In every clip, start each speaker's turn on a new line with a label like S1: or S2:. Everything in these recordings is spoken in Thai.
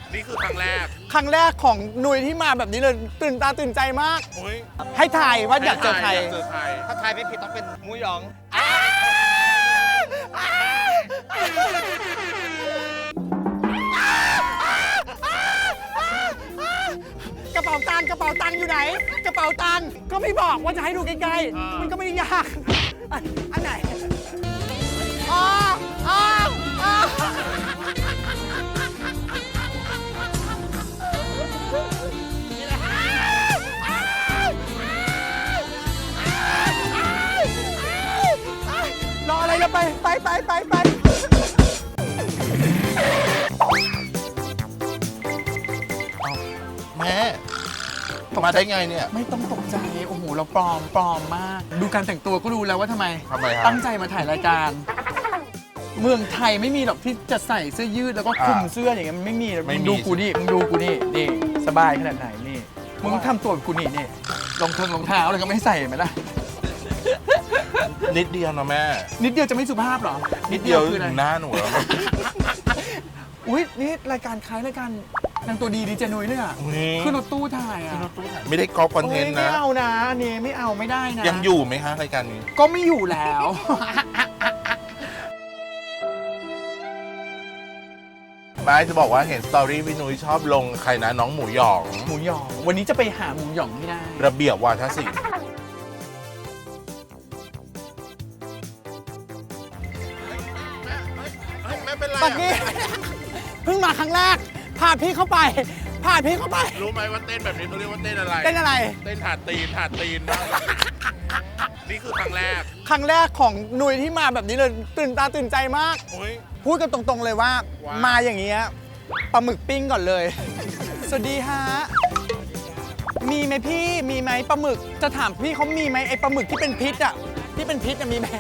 S1: นี่คือครั้งแรก
S2: ครั้งแรกของนุ้ยที่มาแบบนี้เลยตื่นตาตื่นใจมาก
S1: โอ้ย
S2: ให้ทายว่าอยากเจอใคร
S1: อยากเจอใคร
S3: ถ้าทายไม่ผิดต้องเป็นหมูหยอง
S2: กระเป๋าตังค์อยู่ไหน กระเป๋าตังค์ก็ไม่บอกว่าจะให้ดูใกล้ๆมันก็ไม่ได้ยากอันไหนอ๋ออ๋ออ๋อรออะไรกันไป
S1: แม่มาได้ไงเนี่ย
S2: ไม่ต้องตกใจ โอ้โห เราปลอมมาก ดูการแต่งตัวก็รู้แล้วว่าทำไม
S1: ทำไมครับ
S2: ตั้งใจมาถ่ายรายการ เมืองไทยไม่มีหรอกที่จะใส่เสื้อยืดแล้วก็คลุมเสื้ออย่างเงี้ยมันไม่มีมึงดูกูนี่นี่สบายขนาดไหนนี่มึงทำตัวแบบกูนี่รองเท้าอะไรก็ไม่ใส่ไหมล่ะ
S1: นิดเดียวนะแม่
S2: นิดเดียวจะไม่สุภาพเหรอ
S1: นิดเดียว
S2: คืออะไร
S1: หน้าหนูแล้ว
S2: อุ้ยนี่รายการคล้ายรายการนางตัวดีเจนุ้ยเนี่ยขึ้นรถตู้ถ่ายอ่ะ
S1: ไม่ได้ก๊อปคอนเทนต์
S2: ไม่
S1: นะ
S2: เอานะอันนี้ไม่เอาไม่ได้นะ
S1: ยังอยู่ไหมคะรายการนี้
S2: ก็ไม่อยู่แล้ว
S1: ไม่จะบอกว่าเห็นสตอรี่พี่นุ้ยชอบลงใครนะน้องหมูหยอง
S2: หมูหยองวันนี้จะไปหาหมูหยองให้ได้
S1: ระเบียบวาทศิลป์ ไม่เป็นไร
S2: ปักกี้ เพิ่งมาครั้งแรก พาพี่เข้าไป
S1: รู้ไหมว่าเต้นแบบนี้เขาเรียกว่าเต้นอะไร
S2: เต้นอะไร
S1: เต้นถาดตีนมากนี่คือครั้งแรก
S2: ครั้งแรกของนุ้ยที่มาแบบนี้เลยตื่นตาตื่นใจมาก
S1: โอ้ย
S2: พูดกันตรงๆเลยว่า
S1: ว้าว
S2: มาอย่างเงี้ยปลาหมึกปิ้งก่อนเลย สวัสดีฮะ มีไหมพี่ มีไหมปลาหมึก จะถามพี่เขามีไหมไอปลาหมึกที่เป็นพิษอ่ะ ที่เป็นพิษอะมีไหม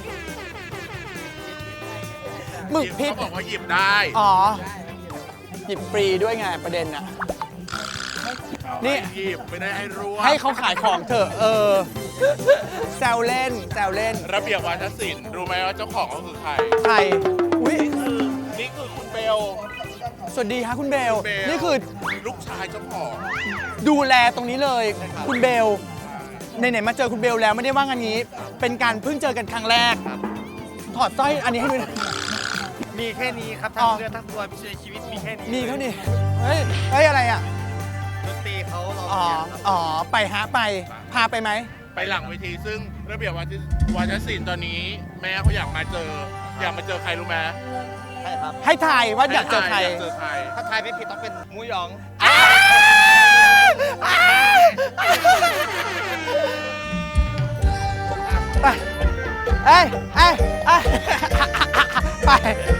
S2: หมึกพิษ
S1: เขาบอกว่าหยิบได้
S2: อ๋อ หยิบฟรีด้วยไงประเด็นอ่ะ นี่
S1: หยิบไม่ได้ให้รู้
S2: ให้เขาขายของเถอะแซวเล่น
S1: ระเบียบวาทศิลป์รู้ไหมว่าเจ้าของเขาคือใคร
S2: ใครอุ้ย
S1: นี่คือคุณเบล
S2: สวัสดีค่ะคุณเบล
S1: เบล
S2: นี่คือ
S1: ลูกชายเจ้าของ
S2: ดูแลตรงนี้เลย คุณเบลไหนๆมาเจอคุณเบลแล้วไม่ได้ว่างานนี้ เป็นการเพิ่งเจอกันครั้งแรก ถอดสร้อยอันนี้ให้ดูหน่อย
S3: มีแค่นี้ครับ
S2: อ๋
S3: ทั้
S2: อ
S3: งเรือทั้งตัวพิเศษชีวิตมีแค่นี้
S2: มีเขาดิเฮ้ยอะไรอ่ะ
S3: ดนตรีเขาเรา
S2: อ๋อ
S3: เนี่ยครับ
S2: อ๋อ ไปฮะไป พาไปไหม
S1: ไปหลังเวทีซึ่งระเบียบวาทศิลป์ตอนนี้ แม่เขาอยากมาเจอใครรู้ไหม
S3: ใช่ครับ
S2: ให้ทายว่าอยากเจอใคร
S1: อยากเจอใคร
S3: ถ้าทายไม่ผิดต้องเป็นหมูหยอง
S2: ไป เอ้ยไป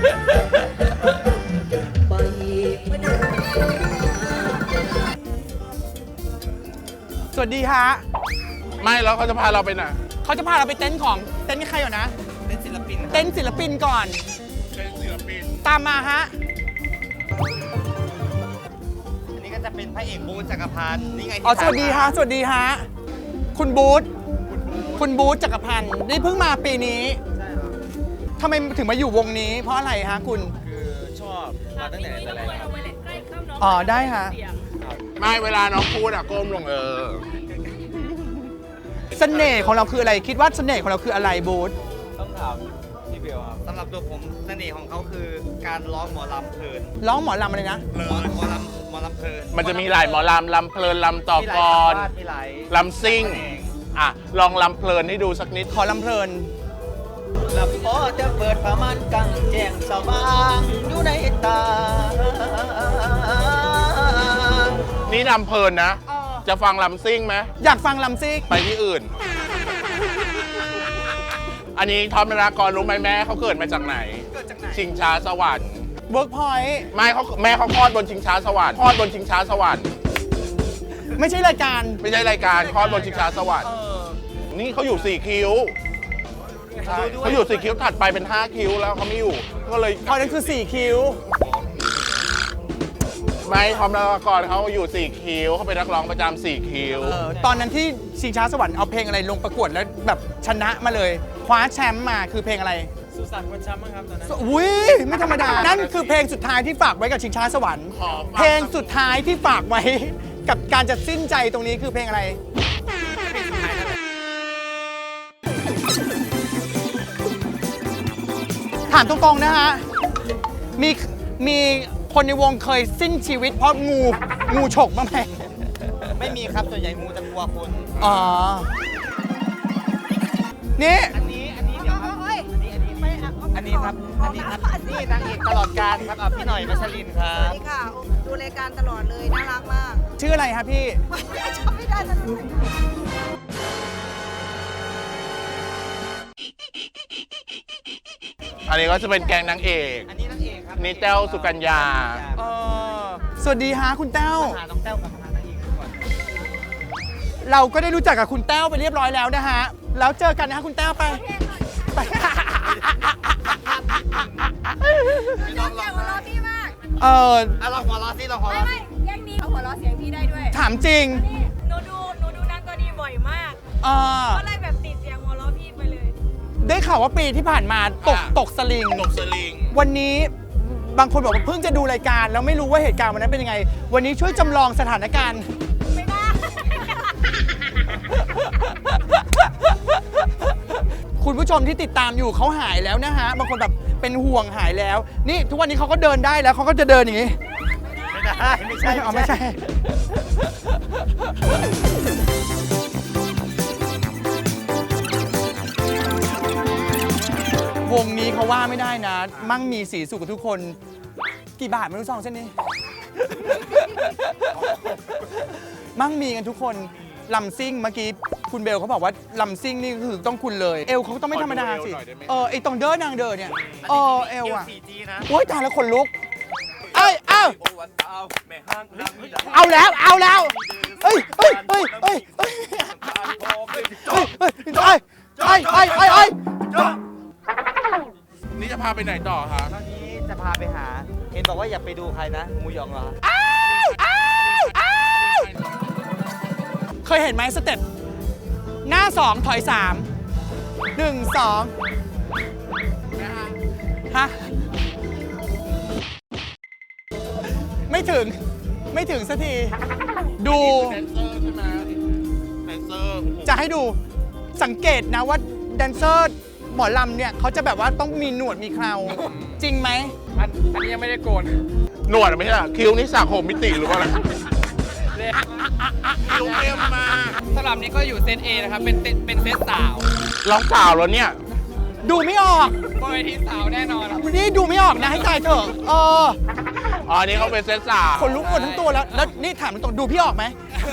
S2: สวัสดีฮะ
S1: ไม่แล้วเขาจะพาเราไปไหน
S2: เขาจะพาเราไปเต็นท์ของเต็นท์ใครก่อนนะ
S3: เป็นศิลปิน
S2: เต็นท์ศิลปินก่อน
S1: เป็นศิลปิน
S2: ตามมาฮะ
S3: อันนี้ก็จะเป็นพระเอกบูธจักรพันธ์นี่ไงที่
S2: อ๋อ สวัสดีฮะ สวัสดีฮะ คุณบูธจักรพันธ์นี่เพิ่งมาปีนี้
S3: ใช่ครับ
S2: ทำไมถึงมาอยู่วงนี้ เพราะอะไรฮะคุณ
S3: คือชอบมาตั้งแต่ไหนแต่ไรครับ
S2: อ๋อ ได้ฮะ
S1: ไม่เวลาน้องพูดอะก้มลง
S2: เสน่ห์ของเราคืออะไร คิดว่าเสน่ห์ของเราคืออะไรบูธ
S3: ต้องถามพี่เบลครับสำหรับตัวผมเสน่ห์ของเขาคือการร้องหมอลำเพลิน
S2: ร้องหมอลำอะไรนะ
S1: เล
S3: หม
S1: ย
S3: อลำเพลิน
S1: มันจะมีหลายหมอลำลำเพลินลำต่อกร
S3: มีหลาย
S1: ลำซิ่งอ่ะลองลำเพลินให้ดูสักนิด
S2: ขอลำเพลิน
S3: ลำพอจะเปิดผ้าม่านกังแจ้งสว่างอยู่ในตา
S1: นี่ลำเพลินนะ จะฟังลำซิ่งไหม
S2: อยากฟังลำซิก
S1: ไปที่อื่น อันนี้ทอมนารากรรู้ไหมแม่เขาเกิดมาจากไหน
S3: เกิดจากไหน
S1: ชิงช้าสวรรค์
S2: เวิร์กพอยต์
S1: ไม่เขาแม่เขาคลอดบนชิงช้าสวรรค์คลอดบนชิงช้าสวรรค์
S2: ไม่ใช่รายการ
S1: ไม่ใช่รายการคลอดบนชิงช้าสวรรค์นี่เขาอยู่4คิ้วใช่เขาอยู่4คิ้วถัดไปเป็น5คิ้วแล้วเขาไม่อยู่ก็เลย
S2: พอนั้นคือ 4 คิ้ว
S1: ไม่ทอมนารากรเขาอยู่4คิ้วเขาเป็นนักร้องประจำ4คิ้ว
S2: ตอนนั้นที่ชิงช้าสวรรค์เอาเพลงอะไรลงประกวดแล้วแบบชนะมาเลย คว้าแชมป์มาคือเพลงอะไร
S3: สุสานคนช้ำมั้งครับตอนนั้น
S2: อุ้ยไม่ธรรมดา นั่นคือเพลงสุดท้ายที่ฝากไว้กับชิงช้าสวรรค์
S1: ขอฟัง
S2: เพลงสุดท้ายที่ฝากไว้กับการจะสิ้นใจตรงนี้คือเพลงอะไร ถามตรงๆนะฮะ มีคนในวงเคยสิ้นชีวิตเพราะงูฉกบ้างไหม
S3: ไม่มีครับส่วนใหญ่มูจะกลัวคน
S2: อ๋อ นี่
S3: อันนี้เดี๋ยวครับอันนี้ครับนี่นางเอกตลอดการครับพี่หน่อยมัชลินครั
S4: สวั
S3: บ
S4: สดีค่ะ ดูรายการตลอดเลย น่ารักมาก
S2: ชื่ออะไรครับพี่
S4: จำไม่ได้แล้ว
S1: อันนี้ก็จะเป็นแกงนางเอก
S3: อันนี้นางเอกครับ
S1: นี่แต้วสุกัญญา
S2: สวัสดีฮะคุณแต้ว
S3: หาน้องแต้วกับหานางเอกก่อน
S2: เราก็ได้รู้จักกับคุณแต้วไปเรียบร้อยแล้วนะฮะ แล้วเจอกันนะฮะคุณแต้วไป ไป
S4: อยากหัวเราะพี่มาก
S3: เราหัวเราะสิเราหัวเราะ
S4: ไม่แย่งนี้เอาหัวเราะเสียงพี่ได้ด้วย
S2: ถามจริง
S4: นี่หนูดูนางตัวดีบ่อยมาก ก็เลยแบบติดเสียงหัวเราะพี่ไปเลย
S2: ได้ข่าวว่าปีที่ผ่านมาตกสลิง
S1: ตกสลิง
S2: วันนี้บางคนบอกว่าเพิ่งจะดูรายการแล้วไม่รู้ว่าเหตุการณ์วันนั้นเป็นยังไง วันนี้ช่วยจำลองสถานการณ์
S4: ไม่ได้
S2: คุณผู้ชมที่ติดตามอยู่เขาหายแล้วนะฮะ บางคนแบบเป็นห่วงหายแล้ว นี่ทุกวันนี้เขาก็เดินได้แล้วเขาก็จะเดินอย่างนี้
S3: ไม่ได้ไม่ใช่
S2: เอาไม่ใช่ วงนี้เขาว่าไม่ได้นะ มั่งมีสีสุขกับทุกคน กี่บาทไม่รู้ซองเส้นนี้ มั่งมีกันทุกคนลำซิ่งเมื่อกี้คุณเบลเขาบอกว่าลำซิ่งนี่คือต้องคุณเลย เอวเขาต้องไม่ธรรมดาสิ
S1: ขอดูเอวหน่อยได้ไหม
S2: ไอตรงเดินนางเดินเนี่ยเอวอ่ะ
S3: 4G นะ
S2: โอ๊ยตายแล้วขนลุกเอ้ยเอาแล้วเอ้ย
S1: นี่จะพาไปไหนต่อคะ
S3: ตอนนี้จะพาไปหา เห็นบอกว่าอย่าไปดูใครนะหมูหยองเหรอ
S2: เคยเห็นไหมสเต็ปหน้า 2 ถอย 3 1 2ฮะไม่ถึงสักที ดู
S1: แดนเซอร์ใช่ไหมแดนเซอร์
S2: จะให้ดูสังเกตนะว่าแดนเซอร์หมอลำเนี่ยเขาจะแบบว่าต้องมีหนวดมีเคราจริงไหม
S5: อันนี้ยังไม่ได้โกน
S1: หนวดไม่ใช่เหรอคิ้วนี่สัก6มิติหรือว่าอะไรคิ้วเต็มมาก
S5: สำหรับนี้ก็อยู่เซต A นะครับ เป็นเซตสาว
S1: ร้องสาวแล้วเนี่ย
S2: ดูไม่ออก
S5: บนเวทีสาวแน่นอนครับ
S2: นี่ดูไม่ออกนะให้ตายเถอะ
S1: อ๋ออันนี้เขาเป็นเซตสาว
S2: คนลุกหมดทั้งตัวแล้วนี่ถามตรงๆดูพี่ออกไหม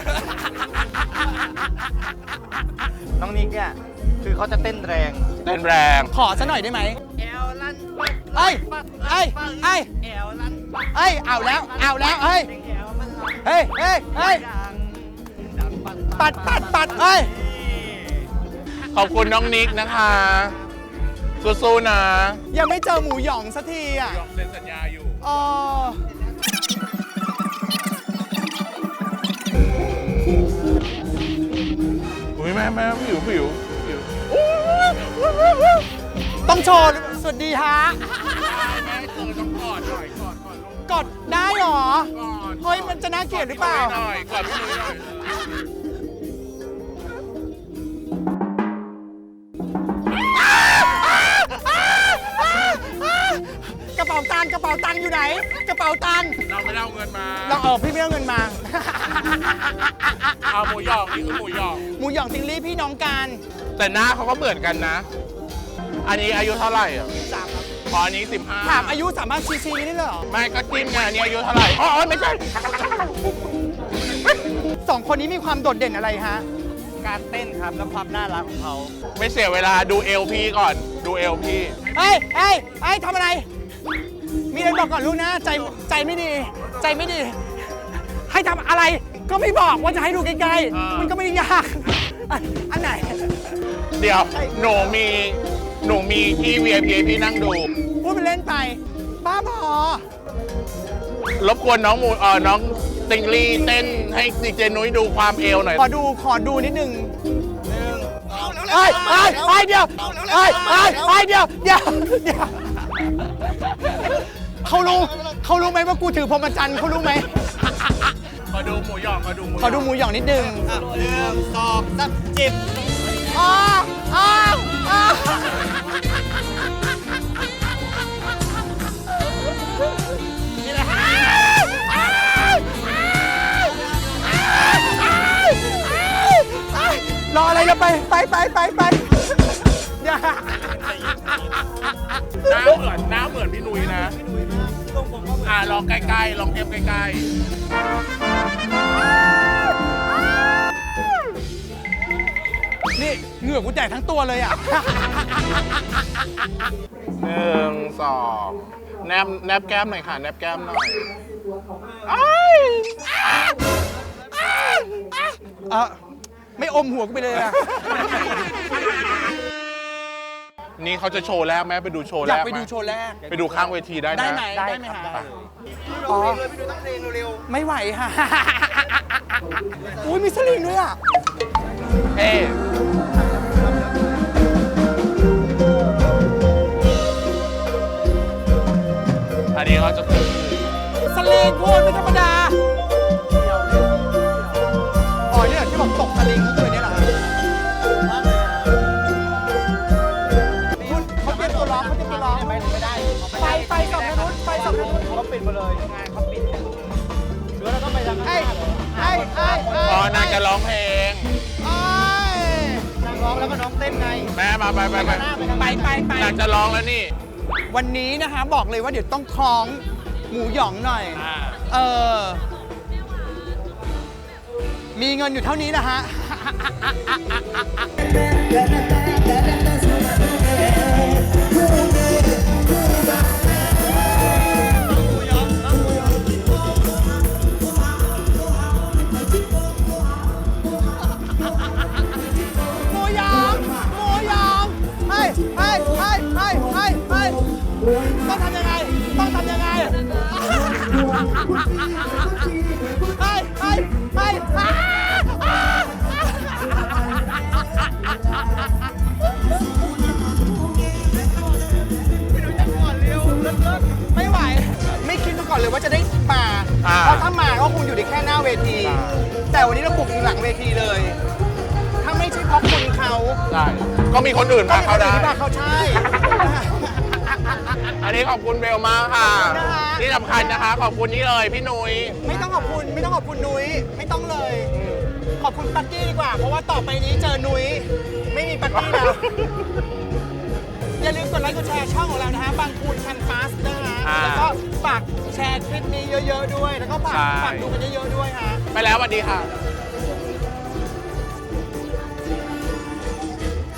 S3: น้องนิกเนี่ยคือเขาจะเต้นแรง
S1: เต้นแรง
S2: ขอซะหน่อยได้ไหม
S3: แอลลัน
S2: เอ้ยเอาแล้วเฮ้ยปัดเอ้ย
S1: ขอบคุณน้องนิกนะคะสู้ๆนะ
S2: ยังไม่เจอหมูหยองสักทีอ่ะ
S1: ยอมเซ็นสัญญาอยู่
S2: อ๋อ
S1: อุ้ยแม่ผิว
S2: ต้องโชว์สวัสดีฮะ
S1: แม่เจอต้องกอดหน่อยกอดลูก
S2: กดได้หรอ
S1: กอด
S2: เฮ้ยมันจะน่าเกลียดหรือเปล่า
S1: หน่อยกอดพี่นุ้ยหน่อย
S2: กระเป๋าตังค์อยู่ไหน กระเป๋าตังค์
S1: เราไม่ได้เอาเงินมา
S2: พี่ไม่เอาเงินมา
S1: เอาหมูหยองนี่คือหมูหยอง
S2: หมูหยองติงลี่พี่น้องกัน
S1: แต่หน้าเขาก็เหมือนกันนะ อันนี้อายุเท่าไหร่อ่ะพออันนี้15
S2: ถามอายุสามารถชี้ได้เลยเหรอ
S1: ไม่ก็จิ้มไงอันนี้อายุเท่าไหร่อ๋อไม่ใช่
S2: สองคนนี้มีความโดดเด่นอะไรฮะ
S3: การเต้นครับและความน่ารักของเขา
S1: ไม่เสียเวลาดูเอลพี่ก่อน ดูเอลพี่
S2: เฮ้ยทำอะไร มีอะไรบอกก่อนลูกนะ ใจไม่ดี ให้ทำอะไร ก็ไม่บอกว่าจะให้ดูใกล้ๆ มันก็ไม่ได้ยาก อันไหน
S1: เดี๋ยวหนูมีที่ VIP พี่นั่งดู
S2: พูดไปเล่นไป บ้าบอ
S1: รบกวนน้องติงลี่เต้นให้ดีเจนุ้ยดูความเอวหน่อย
S2: ขอดูนิดนึง
S3: เอา
S2: เอ้ยเอ้ยเอ้ยเดี๋ยวเอ้ยเอ้ยเอ้ยเดี๋ยวเขารู้ไหมว่ากูถือพรหมจรรย์เขารู้ไหม
S1: ขอดูหมูหยองขอดูหมู
S2: ขอดูหมูหยองนิดนึง
S3: 1 2 3จิบ
S2: อ้าวอ้าวอ้าวรออะไรจะไปอย่า
S1: หน้าเหมือนพี่นุ้ยนะลองใกล้ๆลองเทียบใกล้
S2: นี่เหงื่อกูแตกทั้งตัวเลยอ่ะ
S1: ๆ1 2แนบแก้มหน่อยค่ะแนบแก้มหน่อย
S2: ไม่อมหัวกูไปเลยอ่ะ
S1: นี่เขาจะโชว์แรกไหมไปดูโชว์
S2: อ
S1: แร
S2: ยาก
S1: ก
S2: ไป
S1: ไหม
S2: ดูโชว์แรก
S1: ไปดูข้างเวทีได้นะ
S2: ได้ไหมได้ไหมฮะอ๋อไม่ไหวค่ะ อุ้ยมีสลิงด้วยอ่ะ
S1: เอ๊อันนี้เขาจะคือ
S2: สลิงพูดไม่ธรรมดา อ๋อเนี่ยที่บอกตกสลิงก็คือเนี่ยเหรอฮะคุณเขาเตรียมตัวร้องไม่ได้ไฟสองทางนู้นเขาปิดมาเลยงานเขาปิดหรือเราต้องไปทางข้างหน้าเหรอไอ้
S1: อ๋อนางจะร้องเพลง
S3: นางร้องแล้วก็น้องเต้นไง
S1: แม่มาไป
S2: ไป
S1: นางจะร้องแล้วนี่
S2: วันนี้นะคะบอกเลยว่าเดี๋ยวต้องคล้องหมูหยองหน่อย มีเงินอยู่เท่านี้นะฮะ หมูหยองให้ต้องทำยังไงไม่ไหว ไม่คิดมาก่อนเลยว่าจะได้มา เพราะถ้ามาก็คงอยู่ในแค่หน้าเวที แต่วันนี้เราบุกถึงหลังเวทีเลย ถ้าไม่ใช่เพราะคุณเขา
S1: ใช่ ก็มีคนอื่นมาเขาได้
S2: ที่บ้านเขาใช่
S1: อันนี้ขอบคุณเบลมากค่ะ
S2: ขอบคุณนะคะ
S1: ที่สำคัญนะคะ ขอบคุณนี่เลยพี่นุ้ย
S2: ไม่ต้องขอบคุณนุ้ยไม่ต้องเลย ขอบคุณปักกี้ดีกว่า เพราะว่าต่อไปนี้เจอนุ้ยไม่มีปักกี้แล้ว อย่าลืมกดไลค์กดแชร์ช่องของเรานะฮะบางคูนคันฟาสนะฮะแล้วก็ฝากแชร์คลิปนี้เยอะๆด้วย แล้วก็ฝากดูกันเยอะๆด้วยฮะ
S1: ไปแล้วสวัสดีค่ะ
S2: ส